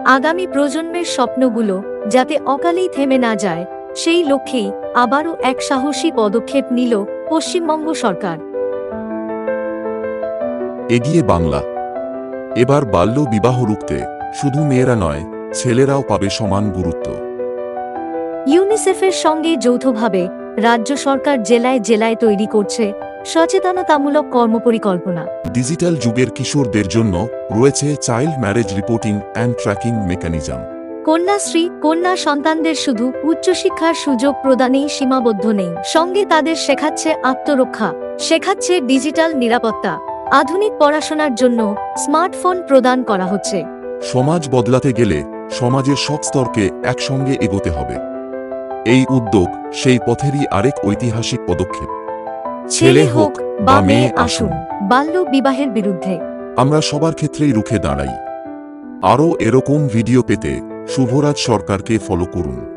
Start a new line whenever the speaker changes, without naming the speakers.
আগামী প্রজন্মের স্বপ্নগুলো যাতে অকালেই থেমে না যায়, সেই লক্ষ্যেই আবারও এক সাহসী পদক্ষেপ নিল পশ্চিমবঙ্গ সরকার।
এগিয়ে বাংলা। এবার বাল্য বিবাহ রুখতে শুধু মেয়েরা নয়, ছেলেরাও পাবে সমান গুরুত্ব।
ইউনিসেফের সঙ্গে যৌথভাবে রাজ্য সরকার জেলায় জেলায় তৈরি করছে সচেতনতামূলক কর্মপরিকল্পনা।
ডিজিটাল যুগের কিশোরদের জন্য রয়েছে child marriage reporting and tracking mechanism.
Kanyashree কন্যা সন্তানদের শুধু উচ্চশিক্ষার সুযোগ প্রদানেই সীমাবদ্ধ নেই, সঙ্গে তাদের শেখাচ্ছে আত্মরক্ষা, শেখাচ্ছে ডিজিটাল নিরাপত্তা। আধুনিক পড়াশোনার জন্য স্মার্টফোন প্রদান করা হচ্ছে।
সমাজ বদলাতে গেলে সমাজের সব স্তরকে একসঙ্গে এগোতে হবে। এই উদ্যোগ সেই পথেরই আরেক ঐতিহাসিক পদক্ষেপ।
ছেলে হোক বা মেয়ে আসুন, বাল্য বিবাহের বিরুদ্ধে
আমরা সবার ক্ষেত্রেই রুখে দাঁড়াই। আরও এরকম ভিডিও পেতে শুভরাজ সরকারকে ফলো করুন।